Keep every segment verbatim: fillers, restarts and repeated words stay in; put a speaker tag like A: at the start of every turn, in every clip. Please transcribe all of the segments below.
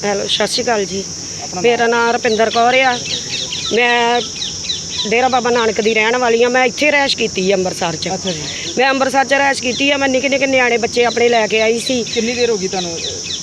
A: Hello, ਸਤਿ ਸ਼੍ਰੀ ਅਕਾਲ ਜੀ। ਮੇਰਾ ਨਾਮ ਰੁਪਿੰਦਰ ਕੌਰ ਆ। ਮੈਂ ਡੇਰਾ ਬਾਬਾ ਨਾਨਕ ਦੀ ਰਹਿਣ ਵਾਲੀ ਆ। ਮੈਂ ਇੱਥੇ ਰਹਿਸ਼ ਕੀਤੀ ਆ ਅੰਮ੍ਰਿਤਸਰ 'ਚ।
B: ਅੱਛਾ ਜੀ।
A: ਮੈਂ ਅੰਮ੍ਰਿਤਸਰ 'ਚ ਰਹਿਸ਼ ਕੀਤੀ ਆ। ਮੈਂ ਨਿੱਕੇ ਨਿੱਕੇ ਨਿਆਣੇ ਬੱਚੇ ਆਪਣੇ ਲੈ ਕੇ ਆਈ ਸੀ।
B: ਕਿੰਨੀ ਦੇਰ ਹੋ ਗਈ ਤੁਹਾਨੂੰ?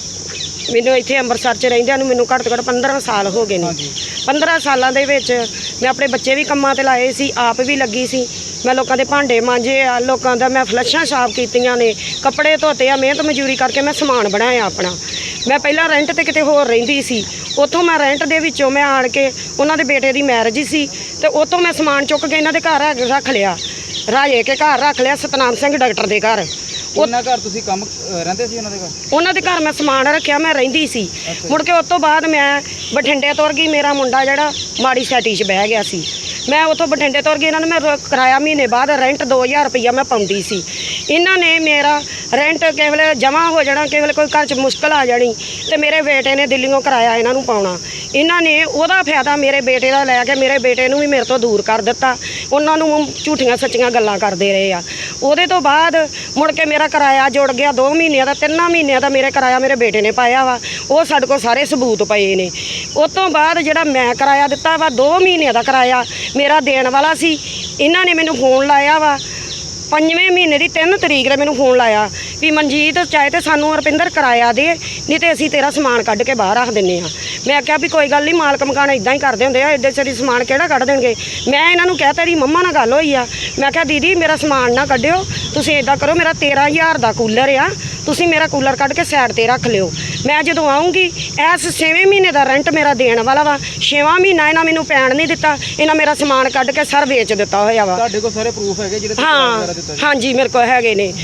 A: ਮੈਨੂੰ ਇੱਥੇ ਅੰਮ੍ਰਿਤਸਰ 'ਚ ਰਹਿੰਦਿਆਂ ਨੂੰ ਮੈਨੂੰ ਘੱਟ ਤੋਂ ਘੱਟ ਪੰਦਰਾਂ ਸਾਲ ਹੋ ਗਏ ਨੇ। ਪੰਦਰਾਂ ਸਾਲਾਂ ਦੇ ਵਿੱਚ ਮੈਂ ਆਪਣੇ ਬੱਚੇ ਵੀ ਕੰਮਾਂ 'ਤੇ ਲਾਏ ਸੀ, ਆਪ ਵੀ ਲੱਗੀ ਸੀ। ਮੈਂ ਲੋਕਾਂ ਦੇ ਭਾਂਡੇ ਮਾਂਜੇ ਆ, ਲੋਕਾਂ ਦਾ ਮੈਂ ਫਲੱਸ਼ਾਂ ਸਾਫ਼ ਕੀਤੀਆਂ ਨੇ, ਕੱਪੜੇ ਧੋਤੇ ਆ। ਮਿਹਨਤ ਮਜ਼ਦੂਰੀ ਕਰਕੇ ਮੈਂ ਸਮਾਨ ਬਣਾਇਆ ਆਪਣਾ। ਮੈਂ ਪਹਿਲਾਂ ਰੈਂਟ 'ਤੇ ਕਿਤੇ ਹੋਰ ਰਹਿੰਦੀ ਸੀ। ਉੱਥੋਂ ਮੈਂ ਰੈਂਟ ਦੇ ਵਿੱਚੋਂ ਮੈਂ ਆਣ ਕੇ ਉਹਨਾਂ ਦੇ ਬੇਟੇ ਦੀ ਮੈਰਿਜ ਸੀ ਅਤੇ ਉੱਥੋਂ ਮੈਂ ਸਮਾਨ ਚੁੱਕ ਕੇ ਇਹਨਾਂ ਦੇ ਘਰ ਰੱਖ ਲਿਆ। ਰਾਜੇ ਕੇ ਘਰ ਰੱਖ ਲਿਆ, ਸਤਨਾਮ ਸਿੰਘ ਡਾਕਟਰ ਦੇ ਘਰ।
B: ਉਹਨਾਂ ਘਰ ਤੁਸੀਂ ਕੰਮ ਰਹਿੰਦੇ ਸੀ? ਉਹਨਾਂ ਦੇ ਘਰ
A: ਉਹਨਾਂ ਦੇ ਘਰ ਮੈਂ ਸਮਾਨ ਰੱਖਿਆ, ਮੈਂ ਰਹਿੰਦੀ ਸੀ। ਮੁੜ ਕੇ ਉਸ ਤੋਂ ਬਾਅਦ ਮੈਂ ਬਠਿੰਡੇ ਤੁਰ ਗਈ। ਮੇਰਾ ਮੁੰਡਾ ਜਿਹੜਾ ਮਾੜੀ ਸੈਟੀ 'ਚ ਬਹਿ ਗਿਆ ਸੀ। ਮੈਂ ਉੱਥੋਂ ਬਠਿੰਡੇ ਤੁਰ ਗਈ। ਇਹਨਾਂ ਨੂੰ ਮੈਂ ਕਿਰਾਇਆ ਮਹੀਨੇ ਬਾਅਦ ਰੈਂਟ ਦੋ ਹਜ਼ਾਰ ਰੁਪਈਆ ਮੈਂ ਪਾਉਂਦੀ ਸੀ। ਇਹਨਾਂ ਨੇ ਮੇਰਾ ਰੈਂਟ ਕਿਸੇ ਵੇਲੇ ਜਮ੍ਹਾਂ ਹੋ ਜਾਣਾ, ਕਿਸੇ ਵੇਲੇ ਕੋਈ ਘਰ 'ਚ ਮੁਸ਼ਕਲ ਆ ਜਾਣੀ ਅਤੇ ਮੇਰੇ ਬੇਟੇ ਨੇ ਦਿੱਲੀੋਂ ਕਿਰਾਇਆ ਇਹਨਾਂ ਨੂੰ ਪਾਉਣਾ। ਇਹਨਾਂ ਨੇ ਉਹਦਾ ਫਾਇਦਾ ਮੇਰੇ ਬੇਟੇ ਦਾ ਲੈ ਕੇ ਮੇਰੇ ਬੇਟੇ ਨੂੰ ਵੀ ਮੇਰੇ ਤੋਂ ਦੂਰ ਕਰ ਦਿੱਤਾ। ਉਹਨਾਂ ਨੂੰ ਝੂਠੀਆਂ ਸੱਚੀਆਂ ਗੱਲਾਂ ਕਰਦੇ ਰਹੇ ਆ। ਉਹਦੇ ਤੋਂ ਬਾਅਦ ਮੁੜ ਕੇ ਮੇਰਾ ਕਿਰਾਇਆ ਜੁੜ ਗਿਆ ਦੋ ਮਹੀਨਿਆਂ ਦਾ, ਤਿੰਨਾਂ ਮਹੀਨਿਆਂ ਦਾ ਮੇਰੇ ਕਿਰਾਇਆ ਮੇਰੇ ਬੇਟੇ ਨੇ ਪਾਇਆ ਵਾ। ਉਹ ਸਾਡੇ ਕੋਲ ਸਾਰੇ ਸਬੂਤ ਪਏ ਨੇ। ਉਸ ਤੋਂ ਬਾਅਦ ਜਿਹੜਾ ਮੈਂ ਕਿਰਾਇਆ ਦਿੱਤਾ ਵਾ, ਦੋ ਮਹੀਨਿਆਂ ਦਾ ਕਿਰਾਇਆ ਮੇਰਾ ਦੇਣ ਵਾਲਾ ਸੀ। ਇਹਨਾਂ ਨੇ ਮੈਨੂੰ ਫੋਨ ਲਾਇਆ ਵਾ ਪੰਜਵੇਂ ਮਹੀਨੇ ਦੀ ਤਿੰਨ ਤਰੀਕ ਨੇ ਮੈਨੂੰ ਫੋਨ ਲਾਇਆ ਵੀ ਮਨਜੀਤ ਚਾਹੇ ਤੇ ਸਾਨੂੰ ਰੁਪਿੰਦਰ ਕਿਰਾਇਆ ਦੇ, ਨਹੀਂ ਤੇ ਅਸੀਂ ਤੇਰਾ ਸਮਾਨ ਕੱਢ ਕੇ ਬਾਹਰ ਰੱਖ ਦਿੰਦੇ ਹਾਂ। ਮੈਂ ਕਿਹਾ ਵੀ ਕੋਈ ਗੱਲ ਨਹੀਂ, ਮਾਲਕ ਮਕਾਨ ਇਦਾਂ ਹੀ ਕਰਦੇ ਹੁੰਦੇ ਆ, ਐਡੇ ਸਾਰੀ ਸਮਾਨ ਕਿਹੜਾ ਕੱਢ ਦੇਣਗੇ। ਮੈਂ ਇਹਨਾਂ ਨੂੰ ਕਹਿ ਤੇਰੀ ਮੰਮਾ ਨਾਲ ਗੱਲ ਹੋਈ ਆ। ਮੈਂ ਕਿਹਾ ਦੀਦੀ ਮੇਰਾ ਸਮਾਨ ਨਾ ਕੱਢਿਓ, ਤੁਸੀਂ ਇਦਾਂ ਕਰੋ, ਮੇਰਾ ਤੇਰਾਂ ਹਜ਼ਾਰ ਦਾ ਕੂਲਰ ਆ, ਤੁਸੀਂ ਮੇਰਾ ਕੂਲਰ ਕੱਢ ਕੇ ਸਾਈਡ 'ਤੇ ਰੱਖ ਲਿਓ। ਮੈਂ ਜਦੋਂ ਆਉਂਗੀ ਇਸ ਛੇਵੇਂ ਮਹੀਨੇ ਦਾ ਰੈਂਟ ਮੇਰਾ ਦੇਣ ਵਾਲਾ ਵਾ। ਛੇਵਾਂ ਮਹੀਨਾ ਇਹਨਾਂ ਮੈਨੂੰ ਪੈਣ ਨਹੀਂ ਦਿੱਤਾ। ਇਹਨਾਂ ਮੇਰਾ ਸਮਾਨ ਕੱਢ ਕੇ ਸਰ ਵੇਚ ਦਿੱਤਾ ਹੋਇਆ ਵਾ।
B: ਤੁਹਾਡੇ ਕੋਲ ਸਾਰੇ ਪ੍ਰੂਫ ਹੈਗੇ ਜਿਹੜੇ?
A: ਹਾਂ ਹਾਂਜੀ, ਮੇਰੇ ਕੋਲ ਹੈਗੇ ਨੇ।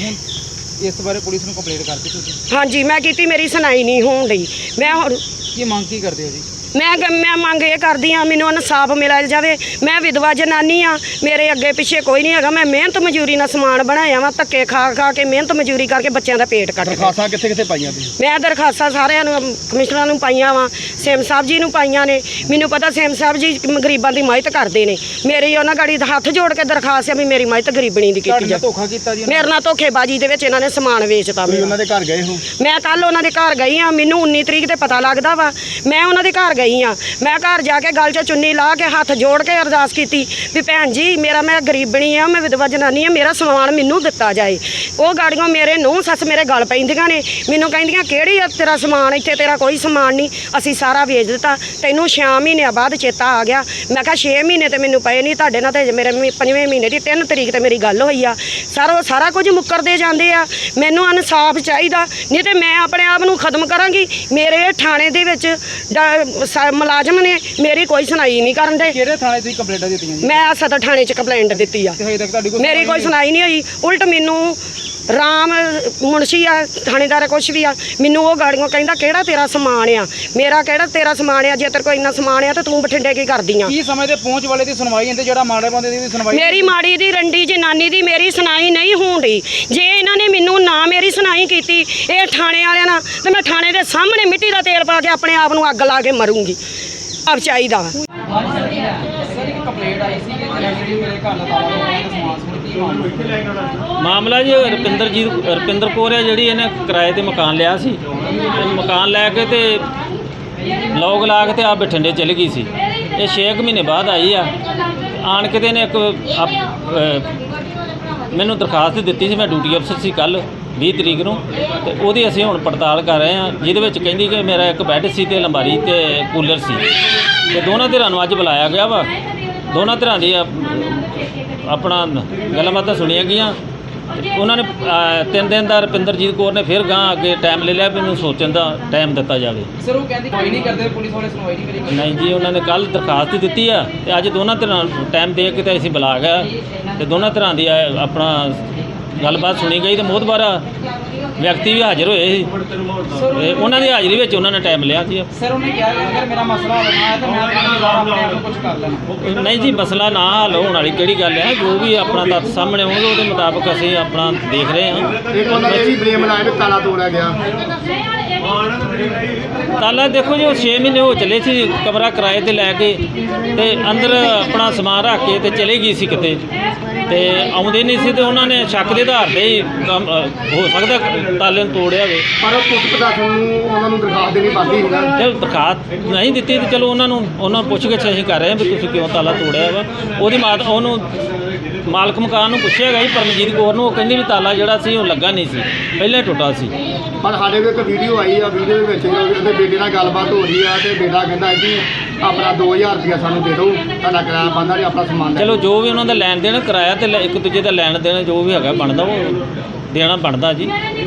B: ਇਸ ਬਾਰੇ ਪੁਲਿਸ ਨੂੰ ਕੰਪਲੇਂਟ ਕਰਤੀ ਤੁਸੀਂ?
A: ਹਾਂਜੀ ਮੈਂ ਕੀਤੀ, ਮੇਰੀ ਸੁਣਾਈ ਨਹੀਂ ਹੋਣ ਡਈ। ਮੈਂ ਹੁਣ
B: ਕੀ ਮੰਗ ਕੀ ਕਰਦੇ ਹੋ ਜੀ?
A: ਮੈਂ ਮੈਂ ਮੰਗ ਇਹ ਕਰਦੀ ਹਾਂ, ਮੈਨੂੰ ਇਨਸਾਫ ਮਿਲਿਆ ਜਾਵੇ। ਮੈਂ ਵਿਧਵਾ ਜਨਾਨੀ ਆ, ਮੇਰੇ ਅੱਗੇ ਪਿੱਛੇ ਕੋਈ ਨਹੀਂ ਹੈਗਾ। ਮੈਂ ਮਿਹਨਤ ਮਜ਼ਦੂਰੀ ਨਾਲ ਸਮਾਨ ਬਣਾਇਆ ਵਾ, ਧੱਕੇ ਖਾ ਖਾ ਕੇ ਮਿਹਨਤ ਮਜ਼ਦੂਰੀ ਕਰਕੇ ਬੱਚਿਆਂ ਦਾ ਪੇਟ ਕੱਟ।
B: ਦਰਖਾਸਤਾਂ ਕਿੱਥੇ ਕਿੱਥੇ ਪਾਈਆਂ ਤੁਸੀਂ?
A: ਮੈਂ ਦਰਖਾਸਤਾਂ ਸਾਰਿਆਂ ਨੂੰ, ਕਮਿਸ਼ਨਰਾਂ ਨੂੰ ਪਾਈਆਂ ਵਾ, ਸੇਮ ਸਾਹਿਬ ਜੀ ਨੂੰ ਪਾਈਆਂ ਨੇ। ਮੈਨੂੰ ਪਤਾ ਸੇਮ ਸਾਹਿਬ ਜੀ ਗਰੀਬਾਂ ਦੀ ਮਦਦ ਕਰਦੇ ਨੇ। ਮੇਰੀ ਉਹਨਾਂ ਗਾੜੀ ਹੱਥ ਜੋੜ ਕੇ ਦਰਖਾਸਤ ਆ ਵੀ ਮੇਰੀ ਮਦਦ ਗਰੀਬਣੀ ਦੀ ਕੀਤੀ ਜਾਵੇ।
B: ਧੋਖਾ ਕੀਤਾ ਜੀ
A: ਮੇਰੇ ਨਾਲ ਧੋਖੇਬਾਜ਼ੀ ਦੇ ਵਿੱਚ ਇਹਨਾਂ ਨੇ ਸਮਾਨ ਵੇਚਤਾ।
B: ਉਹਨਾਂ ਦੇ ਘਰ ਗਏ ਹੋ?
A: ਮੈਂ ਕੱਲ ਉਹਨਾਂ ਦੇ ਘਰ ਗਈ ਆ। ਮੈਨੂੰ ਉੱਨੀ ਤਰੀਕ ਤੇ ਪਤਾ ਲੱਗਦਾ ਵਾ। ਮੈਂ ਉਹਨਾਂ ਦੇ ਘਰ ਗਈ ਆ। ਮੈਂ ਘਰ ਜਾ ਕੇ ਗਲ 'ਚ ਚੁੰਨੀ ਲਾ ਕੇ ਹੱਥ ਜੋੜ ਕੇ ਅਰਦਾਸ ਕੀਤੀ ਵੀ ਭੈਣ ਜੀ ਮੇਰਾ ਮੈਂ ਗਰੀਬਣੀ ਆ, ਮੈਂ ਵਿਧਵਾ ਜਨਾਨੀ ਆ, ਮੇਰਾ ਸਮਾਨ ਮੈਨੂੰ ਦਿੱਤਾ ਜਾਏ। ਉਹ ਗਾੜੀਆਂ ਮੇਰੇ ਨੂੰਹ ਸੱਸ ਮੇਰੇ ਗਲ ਪੈਂਦੀਆਂ ਨੇ, ਮੈਨੂੰ ਕਹਿੰਦੀਆਂ ਕਿਹੜੀ ਆ ਤੇਰਾ ਸਮਾਨ, ਇੱਥੇ ਤੇਰਾ ਕੋਈ ਸਮਾਨ ਨਹੀਂ, ਅਸੀਂ ਸਾਰਾ ਵੇਚ ਦਿੱਤਾ। ਤੈਨੂੰ ਛੇ ਮਹੀਨਿਆਂ ਬਾਅਦ ਚੇਤਾ ਆ ਗਿਆ। ਮੈਂ ਕਿਹਾ ਛੇ ਮਹੀਨੇ ਤੇ ਮੈਨੂੰ ਪਏ ਨਹੀਂ, ਤੁਹਾਡੇ ਨਾਲ ਤੇ ਮੇਰੇ ਪੰਜਵੇਂ ਮਹੀਨੇ ਦੀ ਤਿੰਨ ਤਰੀਕ ਤੇ ਮੇਰੀ ਗੱਲ ਹੋਈ ਆ। ਸਾਰਾ ਸਾਰਾ ਕੁਝ ਮੁੱਕਰਦੇ ਜਾਂਦੇ ਆ। ਮੈਨੂੰ ਇਨਸਾਫ ਚਾਹੀਦਾ, ਨਹੀਂ ਤੇ ਮੈਂ ਆਪਣੇ ਆਪ ਨੂੰ ਖਤਮ ਕਰਾਂਗੀ। ਮੇਰੇ ਥਾਣੇ ਦੇ ਵਿੱਚ ਮੁਲਾਜ਼ਮ ਨੇ ਮੇਰੀ ਕੋਈ ਸੁਣਾਈ ਨਹੀਂ ਕਰਨ ਦੇ।
B: ਕਿਹੜੇ ਥਾਣੇ ਤੁਸੀਂ ਕੰਪਲੇਂਟਾਂ ਦਿੱਤੀਆਂ ਜੀ? ਮੈਂ
A: ਸਦਰ ਥਾਣੇ 'ਚ ਕੰਪਲੇਂਟ ਦਿੱਤੀ ਆ, ਮੇਰੀ ਕੋਈ ਸੁਣਾਈ ਨਹੀਂ ਹੋਈ। ਉਲਟ ਮੈਨੂੰ ਰਾਮ ਮੁਨਸ਼ੀ ਆ ਥਾਣੇਦਾਰ ਕੁਛ ਵੀ ਆ, ਮੈਨੂੰ ਉਹ ਗਾੜੀਆਂ ਕਹਿੰਦਾ ਕਿਹੜਾ ਤੇਰਾ ਸਮਾਨ ਆ, ਮੇਰਾ ਕਿਹੜਾ ਤੇਰਾ ਸਮਾਨ ਆ, ਜੇ ਤੇਰੇ ਕੋਲ ਇੰਨਾ ਸਮਾਨ ਆ ਤਾਂ ਤੂੰ ਬਠਿੰਡੇ ਕੀ ਕਰਦੀ ਆ।
B: ਕੀ ਸਮੇਂ ਤੇ ਪਹੁੰਚ ਵਾਲੇ ਦੀ ਸੁਣਵਾਈ ਹੁੰਦੀ, ਜਿਹੜਾ ਮਾੜੇ ਬੰਦੇ ਦੀ ਵੀ ਸੁਣਵਾਈ?
A: ਮੇਰੀ ਮਾੜੀ ਦੀ ਰੰਡੀ ਜਨਾਨੀ ਦੀ ਮੇਰੀ ਸੁਣਾਈ ਨਹੀਂ ਹੋਣ ਡਈ। ਜੇ ਇਹਨਾਂ ਨੇ ਮੈਨੂੰ ਨਾ ਮੇਰੀ ਸੁਣਾਈ ਕੀਤੀ ਇਹ ਥਾਣੇ ਵਾਲਿਆਂ ਨਾਲ, ਤੇ ਮੈਂ ਥਾਣੇ ਦੇ ਸਾਹਮਣੇ ਮਿੱਟੀ ਦਾ ਤੇਲ ਪਾ ਕੇ ਆਪਣੇ ਆਪ ਨੂੰ ਅੱਗ ਲਾ ਕੇ ਮਰੂੰਗੀ। ਆਪ ਚਾਹੀਦਾ
C: ਮਾਮਲਾ ਜੀ ਰੁਪਿੰਦਰਜੀਤ ਰੁਪਿੰਦਰ ਕੌਰ ਹੈ ਜਿਹੜੀ ਇਹਨੇ ਕਿਰਾਏ ਤੇ ਮਕਾਨ ਲਿਆ ਸੀ। ਤੇ ਮਕਾਨ ਲੈ ਕੇ ਤੇ ਲੋਕ ਲਾ ਕੇ ਤੇ ਆ ਬਠਿੰਡੇ ਚਲੀ ਗਈ ਸੀ। ਇਹ ਛੇ ਕੁ ਮਹੀਨੇ ਬਾਅਦ ਆਈ ਆ। ਆਣ ਕੇ ਤੇ ਇਹਨੇ ਇੱਕ ਮੈਨੂੰ ਦਰਖਾਸਤ ਦਿੱਤੀ ਸੀ। ਮੈਂ ਡਿਊਟੀ ਅਫਸਰ ਸੀ ਕੱਲ੍ਹ ਵੀਹ ਤਰੀਕ ਨੂੰ, ਤੇ ਉਹਦੀ ਅਸੀਂ ਹੁਣ ਪੜਤਾਲ ਕਰ ਰਹੇ ਹਾਂ, ਜਿਹਦੇ ਵਿੱਚ ਕਹਿੰਦੀ ਕਿ ਮੇਰਾ ਇੱਕ ਬੈੱਡ ਸੀ ਤੇ ਅਲਮਾਰੀ ਤੇ ਕੂਲਰ ਸੀ। ਤੇ ਦੋਨਾਂ ਧਿਰਾਂ ਨੂੰ ਅੱਜ ਬੁਲਾਇਆ ਗਿਆ ਵਾ। ਦੋਨਾਂ ਧਿਰਾਂ ਦੀ ਆਪਣਾ ਗੱਲਾਂ ਬਾਤਾਂ ਸੁਣੀਆਂ ਗਈਆਂ। ਉਹਨਾਂ ਨੇ ਤਿੰਨ ਦਿਨ ਦਾ ਰੁਪਿੰਦਰਜੀਤ ਕੌਰ ਨੇ ਫਿਰ ਗਾਂ ਅੱਗੇ ਟਾਈਮ ਲੈ ਲਿਆ, ਮੈਨੂੰ ਸੋਚਣ ਦਾ ਟਾਈਮ ਦਿੱਤਾ ਜਾਵੇ।
B: ਸਰ ਉਹ ਕਹਿੰਦੀ ਕੋਈ ਨਹੀਂ ਕਰਦੇ, ਪੁਲਿਸ ਵਾਲੇ ਸੁਣਵਾਈ ਨਹੀਂ ਕਰੀ?
C: ਨਹੀਂ ਜੀ, ਉਹਨਾਂ ਨੇ ਕੱਲ੍ਹ ਦਰਖਾਸਤ ਦਿੱਤੀ ਆ ਤੇ ਅੱਜ ਦੋਨਾਂ ਧਿਰਾਂ ਟਾਈਮ ਦੇ ਕੇ ਤੇ ਅਸੀਂ ਬੁਲਾ ਗਿਆ ਤੇ ਦੋਨਾਂ ਧਿਰਾਂ ਦੀ ਆਪਣਾ ਗੱਲਬਾਤ ਸੁਣੀ ਗਈ। ਤੇ ਮੋਹਤਬਾਰ ਵਿਅਕਤੀ ਵੀ ਹਾਜ਼ਰ ਹੋਏ ਸੀ। ਉਹਨਾਂ ਦੀ ਹਾਜ਼ਰੀ ਵਿੱਚ ਉਹਨਾਂ ਨੇ ਟਾਈਮ ਲਿਆ ਸੀ।
B: ਸਰ ਉਹਨੇ ਕਿਹਾ ਕਿ ਅਗਰ ਮੇਰਾ ਮਸਲਾ ਹੱਲ ਨਾ ਹੈ ਤਾਂ ਮੈਂ ਆਪਣੇ ਆਪ ਨੂੰ ਕੁਝ ਕਰ ਲੈਣਾ।
C: ਨਹੀਂ ਜੀ, ਮਸਲਾ ਨਾ ਹੱਲ ਹੋਣ ਵਾਲੀ ਕਿਹੜੀ ਗੱਲ ਹੈ। ਜੋ ਵੀ ਆਪਣਾ ਤੱਥ ਸਾਹਮਣੇ ਆਉਣਗੇ ਉਹਦੇ ਮੁਤਾਬਕ ਅਸੀਂ ਆਪਣਾ ਦੇਖ ਰਹੇ ਹਾਂ।
D: ਉਹਨਾਂ ਨੇ ਵੀ ਬਲੇਮ ਲਾਇਆ ਵੀ ਤਾਲਾ ਤੋੜਿਆ ਗਿਆ।
C: ਤਾਲਾ ਦੇਖੋ ਜੀ ਉਹ ਛੇ ਮਹੀਨੇ ਹੋ ਚੱਲੇ ਸੀ ਕਮਰਾ ਕਿਰਾਏ ਤੇ ਲੈ ਕੇ ਤੇ ਅੰਦਰ ਆਪਣਾ ਸਮਾਨ ਰੱਖ ਕੇ ਤੇ ਚਲੇ ਗਈ ਸੀ ਕਿਤੇ ਤੇ ਆਉਂਦੇ ਨਹੀਂ ਸੀ ਤੇ ਉਹਨਾਂ ਨੇ ਸ਼ੱਕ ਦੇ ਆਧਾਰ ਤੇ ਹੀ ਕੰਮ, ਅ, ਹੋ ਸਕਦਾ ਤਾਲੇ ਨੂੰ ਤੋੜਿਆ ਹੋਵੇ।
D: ਪਰ ਪੁਲਿਸ ਪ੍ਰਸ਼ਾਸਨ ਨੂੰ ਉਹਨਾਂ ਨੂੰ ਦਰਖਾਸਤ ਦੇਣੀ ਬਣਦੀ ਸੀਗਾ।
C: ਜੇ ਦਰਖਾਸਤ ਨਹੀਂ ਦਿੱਤੀ ਤੇ ਚਲੋ ਉਹਨਾਂ ਨੂੰ ਉਹਨਾਂ ਪੁੱਛ ਕੇ ਅਸੀਂ ਕਰ ਰਹੇ ਹਾਂ ਵੀ ਤੁਸੀਂ ਕਿਉਂ ਤਾਲਾ ਤੋੜਿਆ ਵਾ। ਉਹਦੀ ਮਾਤ ਉਹਨੂੰ ਮਾਲਕ ਮਕਾਨ ਨੂੰ ਪੁੱਛਿਆ ਗਿਆ ਜੀ ਪਰਮਜੀਤ ਕੌਰ ਨੂੰ, ਉਹ ਕਹਿੰਦੀ ਵੀ ਤਾਲਾ ਜਿਹੜਾ ਸੀ ਉਹ ਲੱਗਾ ਨਹੀਂ ਸੀ, ਪਹਿਲਾਂ ਹੀ ਟੁੱਟਾ ਸੀ।
D: ਪਰ ਸਾਡੇ ਕੋਲ ਇੱਕ ਵੀਡੀਓ ਆਈ ਆ, ਵੀਡੀਓ ਦੇ ਵਿੱਚ ਉਹਦੇ ਬੇਟੇ ਨਾਲ ਗੱਲਬਾਤ ਹੋ ਰਹੀ ਆ ਤੇ ਬੇਟਾ ਕਹਿੰਦਾ ਜੀ ਆਪਣਾ ਦੋ ਹਜ਼ਾਰ ਰੁਪਇਆ ਸਾਨੂੰ ਦੇ ਦਿਓ, ਤੁਹਾਡਾ ਕਿਰਾਇਆ ਬਣਦਾ ਨਹੀਂ, ਆਪਣਾ ਸਮਾਨ ਲੈ
C: ਚਲੋ ਜੋ ਵੀ ਉਹਨਾਂ ਦਾ ਲੈਣ ਦੇਣ ਕਿਰਾਇਆ ਤੇ ਲੈ- ਇੱਕ ਦੂਜੇ ਦਾ ਲੈਣ ਦੇਣ ਜੋ ਵੀ ਹੈਗਾ ਬਣਦਾ ਉਹ ਦੇਣਾ ਬਣਦਾ ਜੀ।